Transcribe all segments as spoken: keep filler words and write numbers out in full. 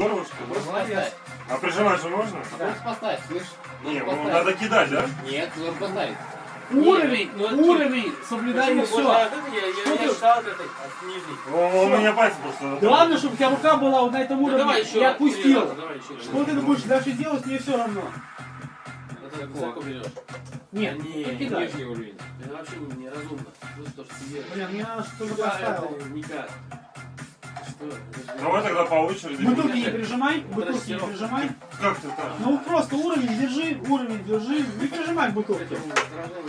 Здорово, что ли? Молодец. А прижимать же можно? Просто поставь, слышь? Не, ну, надо кидать, да? Нет, нужно поставить. Уровень, Ну, уровень, соблюдай и все. Я, я, я считал это от нижней. О, у меня пальцы просто... Главное, чтобы у тебя рука была вот на этом Ну, уровне давай еще и раз, отпустил. три раза, давай еще раз. Что ты будешь дальше делать, мне все равно. Это высоко берешь. Нет, не, не кидай. Нижний уровень. Это вообще неразумно. Просто то, что ты делаешь. Блин, мне надо что-то Да, поставил. это никак. Что? Это же- Давай тогда по очереди. Бутылки не прижимай, бутылки не прижимай. Как ты так? Ну просто уровень держи, уровень держи. Не прижимай к бутылке. Это сражение.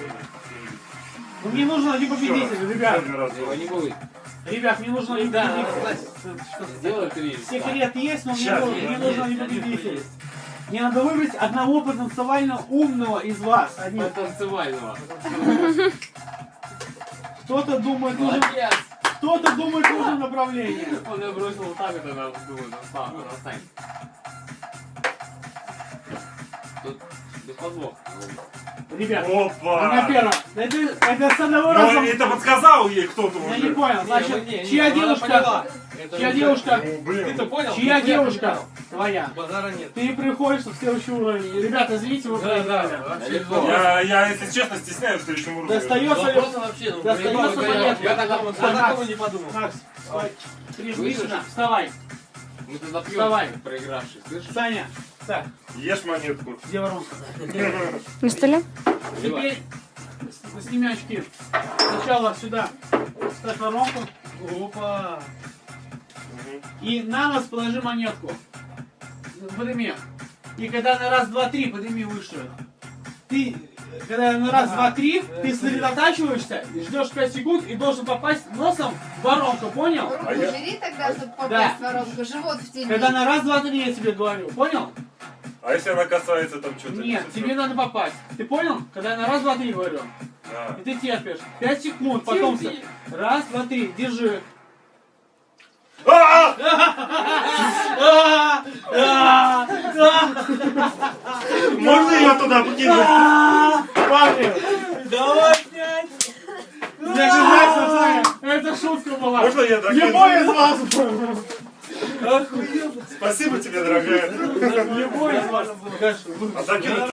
Ну мне нужно один победитель, ребят. Его не будет. Ребят, мне нужно один Да, победитель. Сделай три. Секрет есть, но мне, Сейчас, нужно- есть, мне нужно один есть, победитель. есть. Мне надо выбрать одного потенциально умного из вас. Один. Танцевального. Кто-то думает, нужен, Молодец. кто-то думает, нужно направление. Он ее бросил вот так, это надо думать, настань. Тут без подвох. Ребят, она Опа! первая. Это, это с одного Ну, раза. это подсказал ей кто-то Я не уже. понял. Значит, чья девушка? Чья девушка? Ну, блин. Ты-то понял? Чья Ты девушка? понял? Твоя. Базара нет. Ты приходишь в следующий уровень. Ребята, извините, вы Да, да, проиграли. вообще Я, я, если честно, стесняюсь в следующем уровне. Достается ли... Вопросы вообще, ну, Достается проебал, я- монетка. я такого- я Макс, такого не подумал. Макс, вставай. Прижми Слышишь? сюда. Вставай. Мы тогда Вставай. пьем проигравший, слышишь? Саня. Так, Ешь монетку. где воронка? На столе? Теперь с- сними очки. Сначала сюда ставь воронку. Опа. И на нос положи монетку. Подними. И когда на раз, два, три, подними выше. Ты, когда на раз, два, три, ты сосредотачиваешься, ждешь пять секунд и должен попасть носом в воронку, понял? Руку А я- убери тогда, чтобы попасть Да. в воронку, живот в тени. Когда на раз, два, три я тебе говорю, понял? А если она касается там что-то? Нет, тебе надо попасть. Ты понял? Когда я на раз, два, три говорю. Да. И ты терпишь. Пять секунд, потом... Терпи. Раз, два, три, держи. А! А, а, а, Можно ее туда покинуть? а. Парни, давай пять. Мне кажется, Саня, это шутка была. Можно я докину? Любой из вас. Спасибо тебе, дорогая. Любой из вас. А докинуть